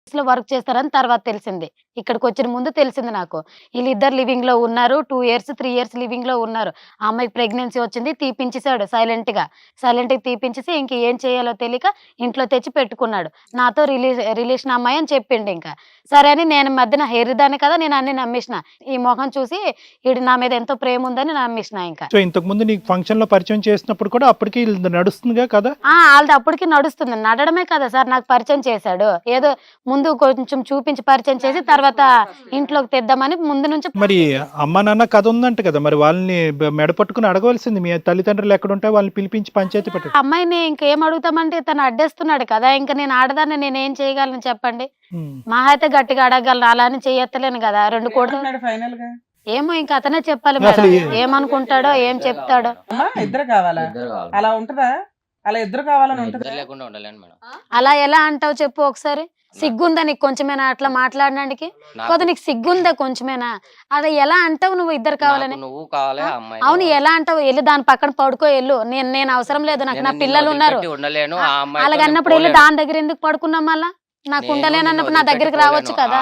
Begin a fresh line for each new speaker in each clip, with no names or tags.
లో వర్క్ చేస్తారని తర్వాత తెలిసింది. ఇక్కడికి వచ్చిన ముందు తెలిసింది నాకు. వీళ్ళిద్దరు లివింగ్ లో ఉన్నారు. 2 ఇయర్స్ 3 ఇయర్స్ లివింగ్ లో ఉన్నారు. ఆ అమ్మాయికి ప్రెగ్నెన్సీ వచ్చింది. తీపించేసాడు సైలెంట్‌గా తీపించేసి ఇంక ఏం చేయాలో తెలియక ఇంట్లో తెచ్చి పెట్టుకున్నాడు. నాతో రిలేషన్ అమ్మాయి అని చెప్పిండు ఇంకా. సరే అని నేను మధ్యన హెర్రిదాన్ని కదా, నేను అన్ని నమ్మేసిన. ఈ మొహం చూసి ఈడు నా మీద ఎంతో ప్రేమ ఉందని నమ్మేసిన ఇంకా.
సో ఇంతకు ముందు నీకు ఫంక్షన్ లో పరిచయం చేసినప్పుడు కూడా అప్పటికి ఇది నడుస్తుందిగా కదా?
ఆళ్ళది అప్పటికి నడుస్తుంది. నడడమే కదా సార్ నాకు పరిచయం చేశాడు. ఏదో ముందు కొంచెం చూపించి పరిచయం చేసి తర్వాత ఇంట్లోకి తెద్దామని ముందు నుంచి.
మరి అమ్మ నాన్న కథ ఉందంట కదా, మరి వాళ్ళని మెడ పట్టుకుని అడగవలసింది. మీ తల్లిదండ్రులు ఎక్కడుంటే వాళ్ళని పిలిపించి పంచాయతీ పెట్టండి.
అమ్మాయిని ఇంకేం అడుగుతామంటే తను అడ్డేస్తున్నాడు కదా, ఇంకా నేను ఆడదాన్ని నేనేం చేయగలను చెప్పండి. మహా అయితే గట్టిగా అడగలను, అలా అని చెయ్యత్తలేను కదా. 2 కోట్లు
ఫైనల్ గా
ఏమో ఇంకా అతనే చెప్పాలి మేడం. ఏమనుకుంటాడో ఏం చెప్తాడో.
ఇద్దరు కావాలా? అలా ఉంటదా? అలా ఇద్దరు కావాలని ఉంటదా?
లేకుండా ఉండలేను మేడం.
అలా ఎలా అంటావు చెప్పు ఒకసారి. సిగ్గుందా నీకు కొంచెమేనా అట్లా మాట్లాడడానికి? కొద్ది నీకు సిగ్గుందా కొంచెమేనా? అది ఎలా అంటావు నువ్వు ఇద్దరు కావాలని?
నువ్వు కావాలి, ఆ అమ్మాయి
అవును ఎలా అంటావు? వెళ్ళి దాని పక్కన పడుకో వెళ్ళు. నేను అవసరం లేదు, నాకు నా పిల్లలు ఉన్నారు.
ఉండలేను. ఆ అమ్మాయి
అలాగన్నప్పుడు వెళ్ళి దాని దగ్గర ఎందుకు పడుకున్నాం? మళ్ళా నాకు ఉండలేనన్నప్పుడు నా దగ్గరికి రావచ్చు కదా.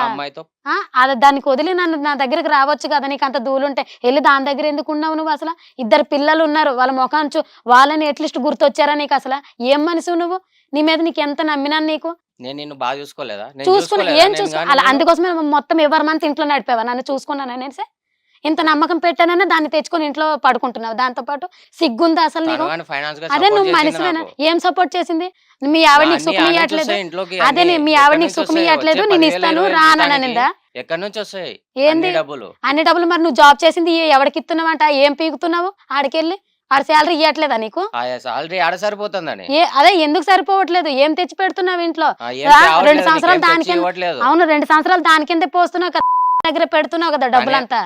అది దానికి వదిలి నన్ను నా దగ్గరికి రావచ్చు కదా. నీకు అంత దూలుంటే వెళ్ళి దాని దగ్గర ఎందుకు ఉన్నావు నువ్వు? అసలు ఇద్దరు పిల్లలు ఉన్నారు, వాళ్ళ ముఖాన్ని వాళ్ళని ఎట్లీస్ట్ గుర్తొచ్చారా నీకు? అసలు ఏం మనిషి నువ్వు? నీ మీద నీకు ఎంత నమ్మినాను నీకు.
నేను నిన్ను బాగా చూసుకోలేదా?
చూసుకున్నా ఏం చూసుకో అలా అందుకోసమే మొత్తం ఎవరి మంత్ ఇంట్లో నడిపేవా? నన్ను చూసుకున్నాను నేను ఇంత నమ్మకం పెట్టాననే దాన్ని తెచ్చుకొని ఇంట్లో పడుకుంటున్నావు. దాంతో పాటు సిగ్గుందా అసలు నీకు? అదే నువ్వు మనిషివేనా? ఏం సపోర్ట్ చేసింది? మీ ఆవిడ నీకు సుఖం ఇవ్వట్లేదు. అదే మీ ఆవిడ నీకు సుఖం ఇవ్వట్లేదు, నేను ఇస్తాను రాననిందా?
ఎక్కడి నుంచి వస్తాయి
ఏంది అన్ని డబ్బులు? మరి నువ్వు జాబ్ చేసింది ఎవరికి ఇస్తున్నావంట? ఏం పీకుతున్నావు ఆడికెళ్ళి? ఆడ శాలరీ ఇవ్వట్లేదా నీకు?
సాలరీ ఆడ సరిపోతుందని.
అదే ఎందుకు సరిపోవట్లేదు? ఏం తెచ్చి పెడుతున్నావు ఇంట్లో? 2 సంవత్సరాలు దానికి. అవును 2 సంవత్సరాలు దాని కింద పోస్తున్నావు కదా, దగ్గర పెడుతున్నావు కదా డబ్బులంతా.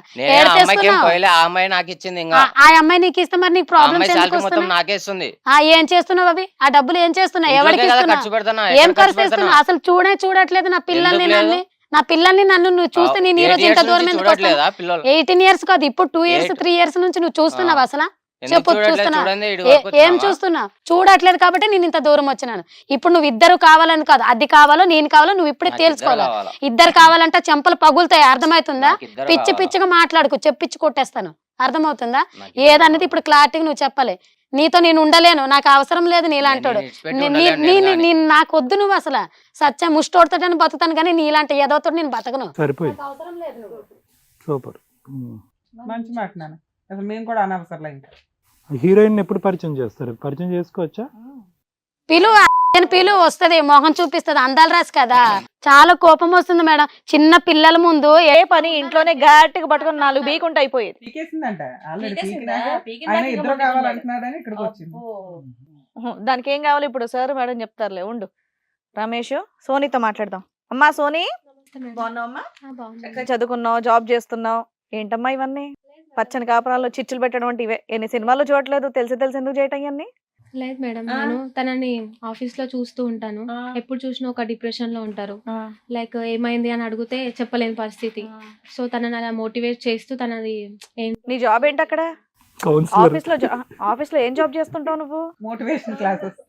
ఆ అమ్మాయి నీకు ఇస్తే మరి నీకు ప్రాబ్లమ్ ఏం చేస్తున్నావు? అవి ఆ డబ్బులు ఏం చేస్తున్నావు? ఎవరికి ఇస్తున్నావు? ఏం ఖర్చు చేస్తున్నావు? అసలు చూడట్లేదు నా పిల్లల్ని నన్ను నువ్వు చూస్తే నేను ఈ రోజు ఇంత దూరం ఎందుకు వస్తాను? 18 ఇయర్స్ కాదు, ఇప్పుడు 2 ఇయర్స్ 3 ఇయర్స్ నుంచి నువ్వు చూస్తున్నావు అసలు? చెప్పు చూస్తున్నా. ఏం చూస్తున్నా? చూడట్లేదు కాబట్టి నేను ఇంత దూరం వచ్చినాను. ఇప్పుడు నువ్వు ఇద్దరు కావాలని కాదు, అది కావాలో నేను కావాలో నువ్వు ఇప్పుడే తేల్చుకోవాలి. ఇద్దరు కావాలంటే చెంపలు పగులుతాయి, అర్థమవుతుందా? పిచ్చి పిచ్చిగా మాట్లాడుకో, చెప్పించి కొట్టేస్తాను, అర్థమవుతుందా? ఏదన్నది ఇప్పుడు క్లారిటీగా నువ్వు చెప్పాలి. నీతో నేను ఉండలేను, నాకు అవసరం లేదు నీలాంటోడు. నాకు వద్దు నువ్వు అసలు. సత్యం ముష్టోడుతాడని బతుకుతాను కానీ నీలాంటి ఏదోతో నేను బతకను. అవసరం లేదు నువ్వు.
సూపర్,
మంచి మాట నాన్న. అసలు మేము కూడా అనవసరం. ఇంకా
హీరోయిన్ ఎప్పుడు పరిచయం చేస్తారు? పరిచయం చేసుకోవచ్చా?
పిలువు వస్తది, మొహం చూపిస్తుంది, అందాలు రాసి కదా. చాలా కోపం వస్తుంది మేడం. చిన్న పిల్లల ముందు
ఏ పని ఇంట్లోనే గట్టిగా పట్టుకుని 4 బీకుంటే అయిపోయేది.
పీకేసిందంట ఆల్రెడీ. ఆయన ఇద్దరు కావాలంటున్నాడని ఇక్కడికి వచ్చింది.
దానికి ఏం కావాలి ఇప్పుడు సార్ మేడం చెప్తారులే, ఉండు. రమేష్ సోనీతో మాట్లాడదాం. అమ్మా సోనీ, బాగున్నావమ్మా? చదువుకున్నావు, జాబ్ చేస్తున్నావు, ఏంటమ్మా ఇవన్నీ? పచ్చని కాపురాల్లో చిచ్చులు పెట్టడం అంటే ఇవే. ఎన్ని సినిమాలు చూడట్లేదు, తెలిసి ఎందుకు చేయటం ఇవన్నీ?
లేదు మేడం, నేను తనని ఆఫీస్ లో చూస్తూ ఉంటాను. ఎప్పుడు చూసినా ఒక డిప్రెషన్ లో ఉంటారు. లైక్ ఏమైంది అని అడిగితే చెప్పలేని పరిస్థితి. సో తనని అలా మోటివేట్ చేస్తూ తనది.
నీ జాబ్ ఏంటి అక్కడ? ఆఫీస్ లో ఏం జాబ్ చేస్తుంటావు నువ్వు?
Motivation classes.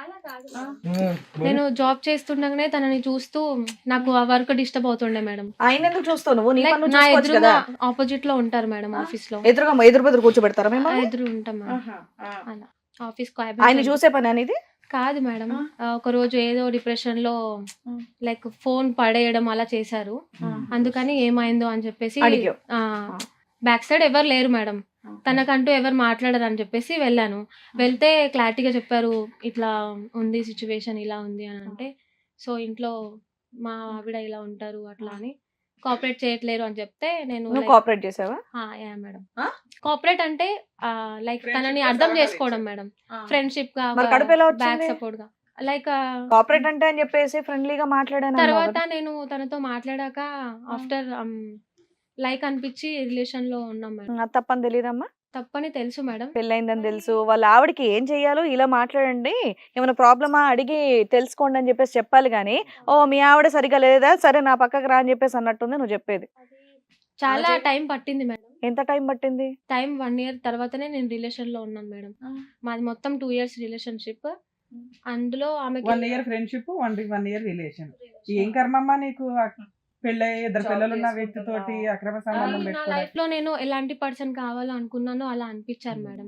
నేను జాబ్ చేస్తుండగానే తనని చూస్తూ నాకు ఆ వర్క్ డిస్టర్బ్ అవుతుండే మేడం.
ఆయన ఎందుకు చూస్తావు నువ్వు?
నా ఎదురుగా ఆపోజిట్ లో ఉంటారు మేడం ఆఫీస్ లో.
ఎదురు కూర్చోబెడతారా మేము?
ఎదురు ఉంటాం అలా ఆఫీస్.
ఆయన చూసే పని అనేది
కాదు మేడం. ఒక రోజు ఏదో డిప్రెషన్ లో లైక్ ఫోన్ పడేయడం అలా చేశారు. అందుకని ఏమైందో అని చెప్పేసి బ్యాక్ సైడ్ ఎవరు లేరు మేడం, తనకంటూ ఎవరు మాట్లాడరు అని చెప్పేసి వెళ్ళాను. వెళ్తే క్లారిటీగా చెప్పారు, ఇట్లా ఉంది సిచ్యువేషన్, ఇలా ఉంది అని. అంటే సో ఇంట్లో మా ఆవిడ ఇలా ఉంటారు అట్లా అని కోఆపరేట్ చేయట్లేరు అని చెప్తే నేను
కోఆపరేట్ చేసావా?
మేడం. కోఆపరేట్ అంటే లైక్ తనని అర్థం చేసుకోవడం మేడం, ఫ్రెండ్షిప్ గా, బ్యాక్ సపోర్ట్ గా. లైక్
కోఆపరేట్ అంటే అని చెప్పేసి ఫ్రెండ్లీగా మాట్లాడాను.
తర్వాత నేను తనతో మాట్లాడాక ఆఫ్టర్ లైక్ అనిపించి రిలేషన్ లో ఉన్నాం మేడం.
తప్పని తెలియదమ్మా?
తప్పని తెలుసు మేడం,
పెళ్ళైందని తెలుసు. వాళ్ళ ఆవిడకి ఏం చెయ్యాలో ఇలా మాట్లాడండి, ఏమైనా ప్రాబ్లమా అడిగి తెలుసుకోండి అని చెప్పేసి చెప్పాలి గానీ, ఓ మీ ఆవిడ సరిగా లేదా, సరే నా పక్కకు రా అని చెప్పేసి అన్నట్టుంది నువ్వు చెప్పేది.
చాలా టైం పట్టింది మేడం.
ఎంత టైం పట్టింది?
టైం 1 year తర్వాతనే నేను రిలేషన్ లో ఉన్నాను మేడం. మాది మొత్తం 2 years రిలేషన్షిప్. అందులో ఆమెకి
1 year ఫ్రెండ్షిప్ 1 year రిలేషన్. ఏం కర్మమ్మా నీకు పెళ్ళై 2 పిల్లలు ఉన్న వ్యక్తితోటి అక్రమ సంబంధం
నా
పెట్టుకోవడం?
లైఫ్ లో నేను ఎలాంటి పర్సన్ కావాలో అనుకున్నానో అలా అనిపించారు మేడం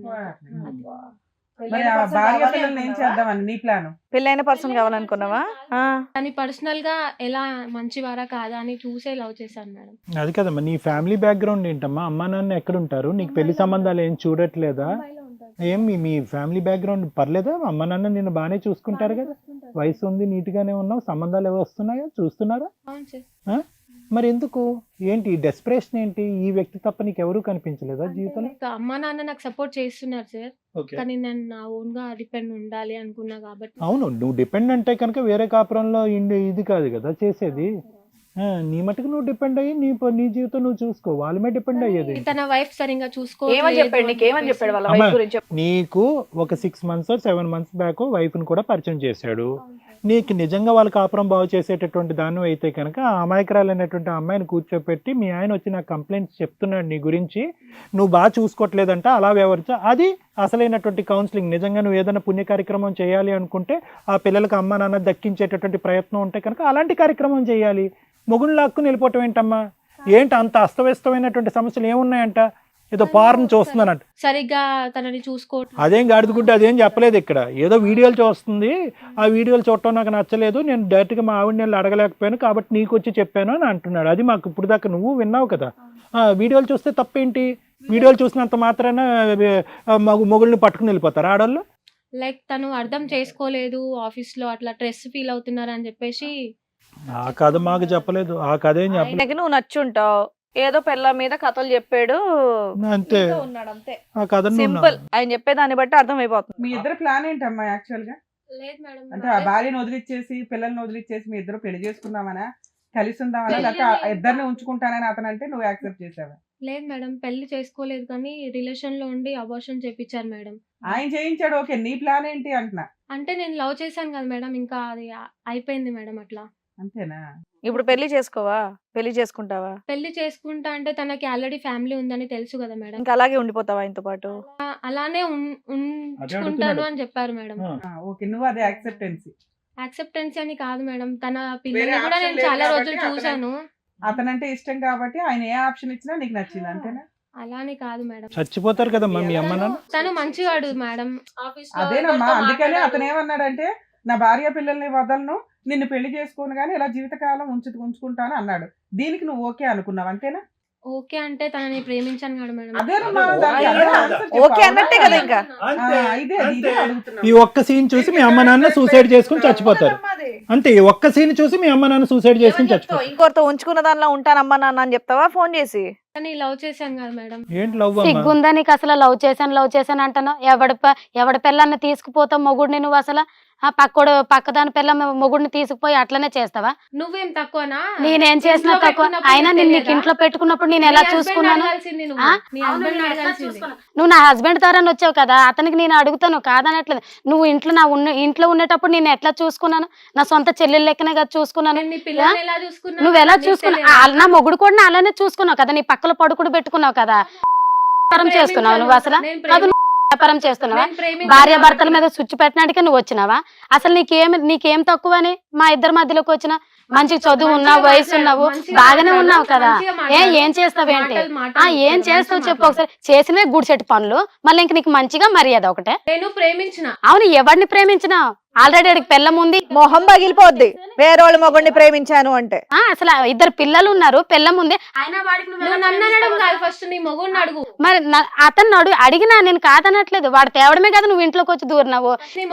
మరి ఆ భార్య పిల్లల్ని ఏం చేద్దామని నీ ప్లాన్?
పెళ్ళైన పర్సన్ కావాలనుకున్నావా?
కానీ పర్సనల్ గా ఎలా మంచివారా కాదా అని చూసే లవ్ చేశాను మేడం.
అది కదమ్మా, నీ ఫ్యామిలీ బ్యాక్గ్రౌండ్ ఏంటమ్మా? అమ్మా నాన్న ఎక్కడ ఉంటారు? నీకు పెళ్లి సంబంధాలు ఏం చూడట్లేదా? ఏం మీ ఫ్యామిలీ బ్యాక్గ్రౌండ్ పర్లేదా? అమ్మ నాన్న నిన్ను బాగానే చూసుకుంటారు కదా, వయసు ఉంది, నీట్ గానే ఉన్నావు, సంబంధాలు ఏవో వస్తున్నాయా? చూస్తున్నారా?
అవును సార్.
మరి ఎందుకు? ఏంటి డెస్పరేషన్ ఏంటి? ఈ వ్యక్తి తప్ప నీకు ఎవరు కనిపించలేదా జీవితంలో?
ఇంకా అమ్మా నాన్న నాకు సపోర్ట్ చేస్తున్నారు సార్, కానీ నేను నా ఓన్ గా డిపెండ్ ఉండాలి అనుకున్నా కాబట్టి.
అవును, నువ్వు డిపెండ్ అంటే కనుక వేరే కాపురంలో ఇది కాదు కదా చేసేది. నీ మటుకు నువ్వు డిపెండ్ అయ్యి నీ జీవితం నువ్వు చూసుకో, వాళ్ళ మీద డిపెండ్ అయ్యేది.
తన వైఫ్ సరిగా చూసుకో.
ఏమని చెప్పాడు నీకు? ఏమని చెప్పాడు వాళ్ళ వైఫ్ గురించి?
నీకు ఒక 6 months 7 months బ్యాక్ వైఫ్ ని కూడా పరిచయం చేశాడు. నీకు నిజంగా వాళ్ళ కాపురం బాగు చేసేటటువంటి దాన్ని అయితే కనుక ఆ అమాయకురాలైనటువంటి అమ్మాయిని కూర్చోపెట్టి మీ ఆయన వచ్చి నాకు కంప్లైంట్స్ చెప్తున్నాడు నీ గురించి, నువ్వు బాగా చూసుకోవట్లేదంట, అలా వ్యవహరించా. అది అసలైనటువంటి కౌన్సిలింగ్. నిజంగా నువ్వు ఏదైనా పుణ్య కార్యక్రమం చేయాలి అనుకుంటే, ఆ పిల్లలకు అమ్మ నాన్న దక్కించేటటువంటి ప్రయత్నం ఉంటే కనుక అలాంటి కార్యక్రమం చేయాలి. మొగుడు లాక్కుని వెళ్ళిపోవటం ఏంటమ్మా? ఏంటి అంత అస్తవ్యస్తమైనటువంటి సమస్యలు ఏమున్నాయంట? ఏదో పార్ని చూస్తున్నానంట,
సరిగ్గా తనని చూసుకోవట్లేదు.
అదేం గాడిదగుడ్డ, అదేం చెప్పలేదు ఇక్కడ. ఏదో వీడియోలు చూస్తుంది, ఆ వీడియోలు చూడటం నాకు నచ్చలేదు, నేను డైరెక్ట్గా మా ఆవిడ నేను అడగలేకపోయాను కాబట్టి నీకు వచ్చి చెప్పాను అని అంటున్నాడు. అది మాకు ఇప్పుడు దాకా నువ్వు విన్నావు కదా. వీడియోలు చూస్తే తప్పేంటి? వీడియోలు చూసినంత మాత్రాన మొగుళ్ళని పట్టుకుని వెళ్ళిపోతారు ఆడవాళ్ళు?
లైక్ తను అర్థం చేసుకోలేదు, ఆఫీస్ లో అట్లా స్ట్రెస్ ఫీల్ అవుతున్నారు అని చెప్పేసి.
ఆ కథ మాకు చెప్పలేదు, ఆ కథ ఏం చెప్పలేదు.
ఆయనకి నువ్వు నచ్చుంటావు, ఏదో పిల్ల మీద కథలు చెప్పాడు,
అంతే.
ఉన్నాడు అంతే,
ఆ కథ
సింపుల్. ఆయన చెప్పేదాన్ని బట్టి అర్థమైపోతుంది.
మీ ఇద్దరు ప్లాన్ ఏంటమ్మా యాక్చువల్ గా?
లేదు మేడం,
అంటే ఆ భార్యను వదిలిచ్చేసి పిల్లల్ని వదిలిచ్చేసి మీ ఇద్దరు పెళ్లి చేసుకుందామనా, కలిసి ఉందామనా, లేకపోతే ఇద్దరిని ఉంచుకుంటానని అతను అంటే నువ్వు యాక్సెప్ట్ చేసావా?
లేదు మేడం, పెళ్లి చేసుకోలేదు కానీ రిలేషన్ లో ఉండి అబార్షన్ చేపించారు మేడం.
ఆయన చేయించాడు, ఓకే. నీ ప్లాన్ ఏంటి అంటున్నా?
అంటే నేను లవ్ చేశాను కదా మేడం, ఇంకా అది అయిపోయింది మేడం అట్లా.
అంతేనా?
ఇప్పుడు పెళ్లి చేసుకోవా? పెళ్లి చేసుకుంటావా?
పెళ్లి చేసుకుంటా అంటే తనకి ఆల్రెడీ ఫ్యామిలీ ఉందని తెలుసు కదా మేడం.
ఇంకా అలాగే ఉండిపోతావా ఆయనతో పాటు?
అలానే ఉంచుకుంటాను అని చెప్పారు మేడం.
ఓకే, నువ్వు అదే యాక్సెప్టెన్సీ.
యాక్సెప్టెన్స్ అని కాదు మేడం, తన పిల్లల్ని కూడా నేను చాలా రోజులు చూసాను.
అతనంటే ఇష్టం కాబట్టి ఆయన ఏ ఆప్షన్ ఇచ్చినా నీకు నచ్చింది, అంతేనా?
అలానే కాదు మేడం,
చచ్చిపోతారు కదమ్మా మీ అమ్మ నాన్న.
తను మంచివాడు మేడం.
అదేనమ్మా, అందుకనే అతను ఏమన్నాడంటే నా భార్య పిల్లల్ని వదలను, నిన్ను పెళ్లి చేసుకోను గానీ ఇలా జీవితకాలం ఉంచుకుంటాను అన్నాడు. దీనికి నువ్వు ఓకే అనుకున్నావు, అంతేనా?
ఓకే అంటే తనని ప్రేమించాను కదా మేడం.
అదేనమ్మా,
ఓకే అన్నట్టే కదా. ఇంకా
ఈ ఒక్క సీన్ చూసి మీ అమ్మ నాన్న సూసైడ్ చేసుకుని చచ్చిపోతారు అంతే. ఈ ఒక్క సీన్ చూసి మీ అమ్మ నాన్న సూసైడ్ చేసుకుని చచ్చిపోతారు.
ఇంకోరితో ఉంచుకున్న దానిలో ఉంటానమ్మా నాన్న అని చెప్తావా ఫోన్ చేసి?
కానీ లవ్ చేశాను కదా మేడం.
ఏంటి లవ్?
సిగ్గుందా నీకు అసలు? లవ్ చేశాను అంటున్నావు. ఎవడి పిల్లల్ని తీసుకుపోతావు మొగుడిని నువ్వు? అసలు పక్కదాని పిల్ల మొగుడిని తీసుకుపోయి అట్లనే చేస్తావా?
నువ్వేం తక్కువనా?
నేనేం చేసినా తక్కువ? అయినా నేను నీకు ఇంట్లో పెట్టుకున్నప్పుడు నేను ఎలా చూసుకున్నాను? నువ్వు నా హస్బెండ్ తరని వచ్చావు కదా, అతనికి నేను అడుగుతాను కాదనట్లేదు. నువ్వు ఇంట్లో ఉండేటప్పుడు నేను ఎట్లా చూసుకున్నాను? నా సొంత చెల్లెలు లెక్కనే కదా చూసుకున్నాను. నువ్వు ఎలా చూసుకున్నావు? నా మొగుడు కూడా అలానే చూసుకున్నావు కదా, నీ పక్కలో పడుకుడు పెట్టుకున్నావు కదా. చేస్తున్నావు నువ్వు అసలు? వ్యాపారం చేస్తున్నావా? భార్య భర్తల మీద స్విచ్ పెట్టినాడికే నువ్వు వచ్చినావా? అసలు నీకేం తక్కువ అని మా ఇద్దరి మధ్యలోకి వచ్చిన? మంచి చదువు ఉన్నావు, వయసు ఉన్నావు, బాగానే ఉన్నావు కదా. ఏం చేస్తావేంటి? ఏం చేస్తావు చెప్పు ఒకసారి. చేసినవే గుడిసెట్టు పనులు, మళ్ళీ ఇంక నీకు మంచిగా మర్యాద ఒకటే.
నేను ప్రేమించిన.
అవును, ఎవరిని ప్రేమించినావు? ఆల్రెడీ అడిగి పిల్లం ఉంది,
మొహం పగిలిపోద్ది వేరే వాళ్ళ మొగుడిని ప్రేమించాను అంటే.
అసలు 2 పిల్లలు ఉన్నారు, పిల్లం ఉంది. మరి అతను అడిగినా నేను కాదనట్లేదు, వాడు తేవడమే కదా నువ్వు ఇంట్లోకి వచ్చి దూరినావు.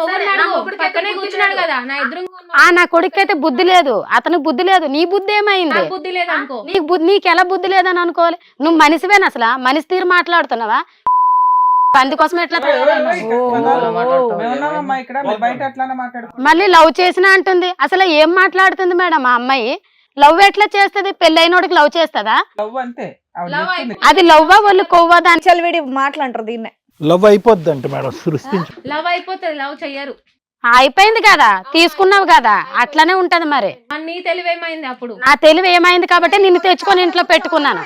నా కొడుకైతే బుద్ధి లేదు, అతనికి బుద్ధి లేదు. నీ బుద్ధి ఏమైంది? నీకు ఎలా బుద్ధి లేదని అనుకోవాలి? నువ్వు మనిషివేనా? అసలు మనిషి తీరు మాట్లాడుతున్నావా? అందుకోసం ఎట్లా మళ్ళీ లవ్ చేసినా అంటుంది. అసలు ఏం మాట్లాడుతుంది మేడం ఆ అమ్మాయి? లవ్ ఎట్లా చేస్తుంది? పెళ్ళైనోడికి లవ్ చేస్తుందా? అది లవ్వా వాళ్ళు కొవ్వా? దాని
చలివిడి మాట్లాంటారు దీన్నే.
లవ్ అయిపోద్ది అంటే మేడం, సృష్టించు.
లవ్ అయిపోతుంది, లవ్ చెయ్యరు.
అయిపోయింది కదా, తీసుకున్నావు కదా, అట్లానే ఉంటది. మరి
నీ తెలివి ఏమైంది? అప్పుడు
నా తెలివి ఏమైంది కాబట్టి నిన్ను తెచ్చుకొని ఇంట్లో పెట్టుకున్నాను.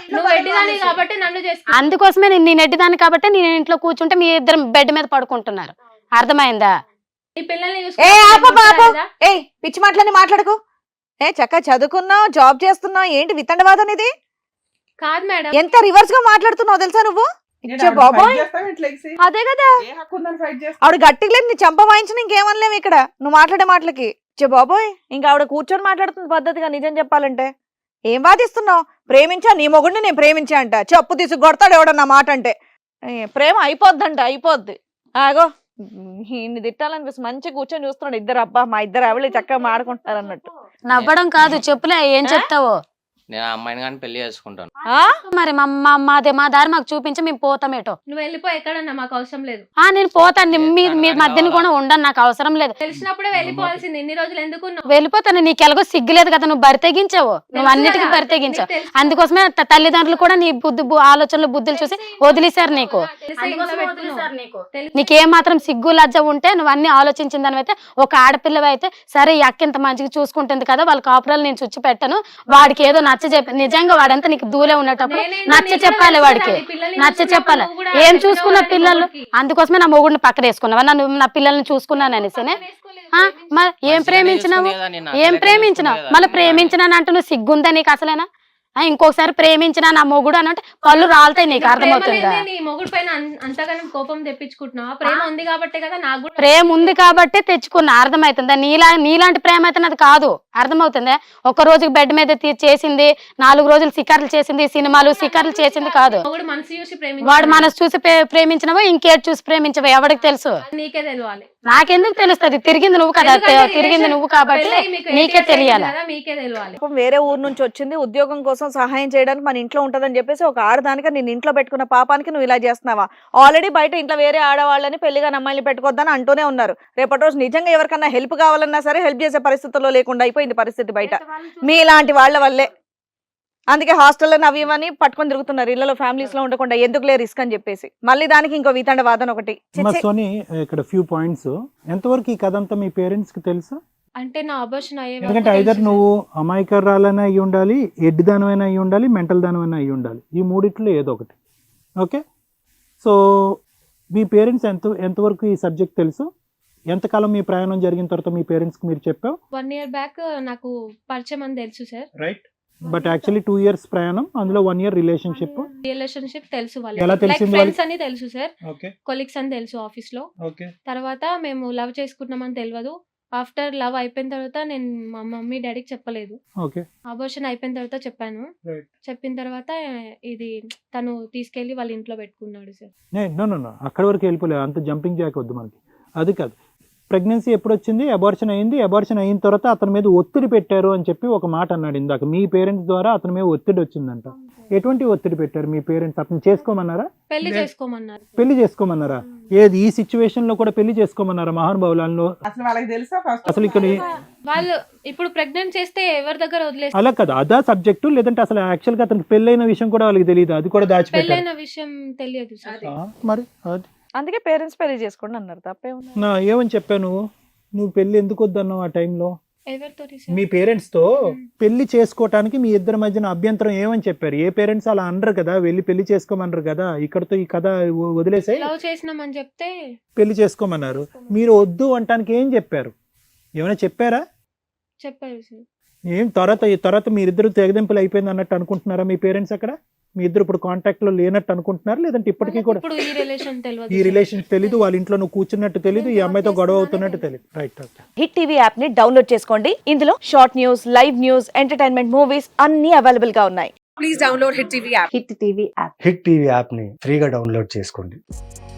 అందుకోసమే నేను ఎడ్డిదాన్ని కాబట్టి నేను ఇంట్లో కూర్చుంటే మీ ఇద్దరు బెడ్ మీద పడుకుంటున్నారు. అర్థమైందా?
ఈ పిల్లల్ని
ఏ ఆప పాప
చూసుకోవాలి
ఏ పిచ్చి మాటలని మాట్లాడకు. ఏ చక్కగా చదువుకున్నావు, జాబ్ చేస్తున్నావు, ఏంటి వితండవాదం ఇది?
కాదు మేడం.
ఎంత రివర్స్ గా మాట్లాడుతున్నావు తెలుసా నువ్వు? ఇచ్చే బాబోయ్, అదే కదా ఆవిడ గట్టిగా లేదు, నీ చంప వాయించిన ఇంకేమనలేము ఇక్కడ నువ్వు మాట్లాడే మాటలకి. ఇచ్చే బాబోయ్, ఇంకా ఆవిడ కూర్చొని మాట్లాడుతుంది పద్ధతిగా. నిజం చెప్పాలంటే ఏం వాదిస్తున్నావు? ప్రేమించా, నీ మొగుడిని నేను ప్రేమించా అంట, చెప్పు తీసి కొడతాడు ఎవడన్నా మాట అంటే. ప్రేమ అయిపోద్దంట, అయిపోద్ది. ఆగో ఇన్ని తిట్టాలనిపిస్తుంది. మంచిగా కూర్చొని చూస్తున్నాడు ఇద్దరు. అబ్బా మా ఇద్దరు ఆవిడ చక్కగా మాడుకుంటారు అన్నట్టు.
నవ్వడం కాదు, చెప్పులే ఏం చెప్తావో.
నేను ఆ అమ్మాయిని కానీ పెళ్లి చేసుకుంటాను.
మరి మా దారి మాకు చూపించి మేము పోతామేటో.
నువ్వు వెళ్ళిపో ఎక్కడన్నా, మాకు అవసరం లేదు.
నేను పోతాను, మీ మధ్యన కూడా ఉండను, నాకు అవసరం లేదు.
తెలిసినప్పుడే వెళ్ళిపోవాల్సింది. ఇన్ని రోజులు ఎందుకు
వెళ్ళిపోతాను. నీకు ఎలాగో సిగ్గులేదు కదా, నువ్వు బరితెగించావు, నువ్వు అన్నిటికీ బరితెగించావు. అందుకోసమే తల్లిదండ్రులు కూడా నీ ఆలోచనలు బుద్ధులు చూసి వదిలేశారు నీకు. నీకేం మాత్రం సిగ్గు లజ్జ ఉంటే నువ్వు అన్ని ఆలోచించిన దానివైతే, ఒక ఆడపిల్లవి అయితే సరే ఈ అక్క ఇంత మంచిగా చూసుకుంటుంది కదా, వాళ్ళ కాపురాలు నేను చుచ్చి పెట్టను, వాడికి ఏదో నచ్చ చెప్పి, నిజంగా వాడంతా నీకు దూలే ఉన్నటప్పుడు నచ్చ చెప్పాలి, వాడికి నచ్చ చెప్పాలి. ఏం చూసుకున్న పిల్లలు, అందుకోసమే నా మొగుడిని పక్కన వేసుకున్నావా, నన్ను నా పిల్లల్ని చూసుకున్నాను అనేసినే. ఏం ప్రేమించినావు, ఏం ప్రేమించినావు? మళ్ళీ ప్రేమించినాను అంటూ నువ్వు సిగ్గుందా నీకు అసలేనా? ఇంకొకసారి ప్రేమించిన నా మొగుడు అని అంటే పళ్ళు రాలుతాయి, నీకు అర్థమవుతుందా?
మొగుడు పైన అంతగానం కోపం తెప్పించుకుంటున్నావా? ప్రేమ ఉంది కాబట్టి కదా. నాకు
ప్రేమ ఉంది కాబట్టి తెచ్చుకున్నా, అర్థమవుతుందా? నీలాంటి ప్రేమ అయితే నాది కాదు, అర్థమవుతుందా? ఒక రోజు బెడ్ మీద చేసింది, 4 రోజులు సికార్లు చేసింది, సినిమాలు సికార్లు చేసింది కాదు. వాడు మనసు చూసి ప్రేమించినవో ఇంకేటి చూసి ప్రేమించవో ఎవరికి తెలుసు?
నీకే తెలియాలి.
నాకెందుకు తెలుస్తుంది? తిరిగింది నువ్వు కదా, తిరిగింది నువ్వు కాబట్టి నీకే తెలియాలి.
మీకే తెలియాలి.
వేరే ఊరు నుంచి వచ్చింది, ఉద్యోగం కోసం సహాయం చేయడానికి మన ఇంట్లో ఉంటదని చెప్పేసి ఒక ఆడదానికి నేను ఇంట్లో పెట్టుకున్న పాపానికి నువ్వు ఇలా చేస్తున్నావా? ఆల్రెడీ బయట ఇంట్లో వేరే ఆడవాళ్ళని పెళ్లిగా అమ్మాయిని పెట్టుకోవద్దని అంటూనే ఉన్నారు. రేపటి రోజు నిజంగా ఎవరికన్నా హెల్ప్ కావాలన్నా సరే హెల్ప్ చేసే పరిస్థితుల్లో లేకుండా అయిపోయింది పరిస్థితి బయట మీ ఇలాంటి వాళ్ళ వల్లే. అందుకే హాస్టల్లో అవి ఇవన్నీ పట్టుకొని తిరుగుతున్నారు, ఇళ్లలో ఫ్యామిలీస్ లో ఉండకుండా ఎందుకులే రిస్క్ అని చెప్పేసి. మళ్ళీ దానికి ఇంకో వితండ వాదన ఒకటి.
సోని ఇక్కడ ఫ్యూ పాయింట్స్, ఎంతవరకు ఈ కథ అంతా మీ పేరెంట్స్ కి తెలుసు?
అంటే నా అబార్షన్ అయ్యే,
ఎందుకంటే ఐదర్ నువ్వు అమాయకరాలైనా అయ్యి ఉండాలి, ఎడ్డి దానమైనా అయ్యి ఉండాలి, మెంటల్ దానమైనా అయ్యి ఉండాలి, ఈ మూడిట్లో ఏదో ఒకటి. ఓకే, సో మీ పేరెంట్స్ ఎంతవరకు ఈ సబ్జెక్ట్ తెలుసు? ఎంతకాలం మీ ప్రయాణం జరిగిన తర్వాత మీ పేరెంట్స్కి మీరు చెప్పావు?
1 year బ్యాక్ నాకు పరిచయం అని తెలుసు sir.
Right, but actually 2 years ప్రయాణం, అందులో 1 year రిలేషన్షిప్
తెలుసు.
ఎలా తెలిసింది?
ఫ్రెండ్స్ అని తెలుసు సార్,
ఓకే,
కొలీగ్స్ అని తెలుసు ఆఫీస్ లో.
ఓకే,
తర్వాత మేము లవ్ చేసుకుంటున్నామని తెలియదు. ఆఫ్టర్ లవ్ అయిపోయిన తర్వాత నేను మా మమ్మీ డాడీకి చెప్పలేదు.
ఓకే,
అబార్షన్ అయిపోయిన తర్వాత చెప్పాను. చెప్పిన తర్వాత ఇది తను తీసుకెళ్లి వాళ్ళ ఇంట్లో పెట్టుకున్నాడు సార్.
నో అక్కడి వరకు వెళ్ళిపోలేదు, అంత జంపింగ్ జాక్ వద్దు మనకి. అది కాదు, ప్రెగ్నెన్సీ ఎప్పుడు వచ్చింది, అబార్షన్ అయింది, అబార్షన్ అయిన తర్వాత అతని మీద ఒత్తిడి పెట్టారు అని చెప్పి ఒక మాట అన్నాడు ఇందాక. మీ పేరెంట్స్ ద్వారా అతని మీద ఒత్తిడి వచ్చిందంట. ఎటువంటి ఒత్తిడి పెట్టారు మీ పేరెంట్స్? అతను చేసుకోమన్నారా?
పెళ్లి చేసుకోమన్నారు.
పెళ్లి చేసుకోమన్నారా? ఏది ఈ సిచ్యువేషన్ లో కూడా పెళ్లి చేసుకోమన్నారా? మహానుభావులలో
అసలు వాళ్ళకి తెలుసా
అసలు ఇక్కడ
వాళ్ళు ఇప్పుడు ప్రెగ్నెంట్ చేస్తే ఎవరి దగ్గర వదిలేస్తారు?
అలా కదా, అదా సబ్జెక్టు. లేదంటే అసలు యాక్చువల్ గా అతనికి పెళ్ళైన విషయం కూడా వాళ్ళకి తెలియదు, అది కూడా దాచిపెట్టారు.
పెళ్ళైన విషయం తెలియదు సార్.
మరి అది
అందుకే పేరెంట్స్ పెళ్లి చేసుకోండి అన్నారు, తప్పే ఉంది.
నా ఏమని చెప్పాను, నువ్వు పెళ్లి ఎందుకు వద్దన్నావు ఆ టైంలో?
ఎవరితో?
మీ పేరెంట్స్ తో పెళ్లి చేసుకోవటానికి మీ ఇద్దరి మధ్యన అభ్యంతరం ఏమని చెప్పారు? ఏ పేరెంట్స్ అలా అనరు కదా, వెళ్ళి పెళ్లి చేసుకోమన్నారు కదా, ఇక్కడతో ఈ కథ వదిలేసే
లవ్ చేసినామని చెప్తే
పెళ్లి చేసుకోమన్నారు. మీరు వద్దు అంటానికి ఏం చెప్పారు? ఏమైనా చెప్పారా?
చెప్పారు సార్.
ఏం తర్వాత మీరిద్దరు తెగదింపులు అయిపోయింది అన్నట్టు అనుకుంటున్నారా మీ పేరెంట్స్? అక్కడ మీ ఇద్దరు ఇప్పుడు కాంటాక్ట్ లో లేనట్టు అనుకుంటున్నారు, లేదంటే ఇప్పటికీ కూడా ఈ రిలేషన్ తెలీదు, వాళ్ళ ఇంట్లో నువ్వు కూర్చున్నట్టు తెలీదు, ఈ అమ్మాయితో గొడవ అవుతున్నట్టు తెలియదు. రైట్,
హిట్ టీవీ యాప్ ని డౌన్లోడ్ చేసుకోండి. ఇందులో short news, live news, entertainment movies అన్ని అవైలబుల్ గా ఉన్నాయి. Please download hit TV app.
Hit TV app ని ఫ్రీగా డౌన్లోడ్ చేసుకోండి.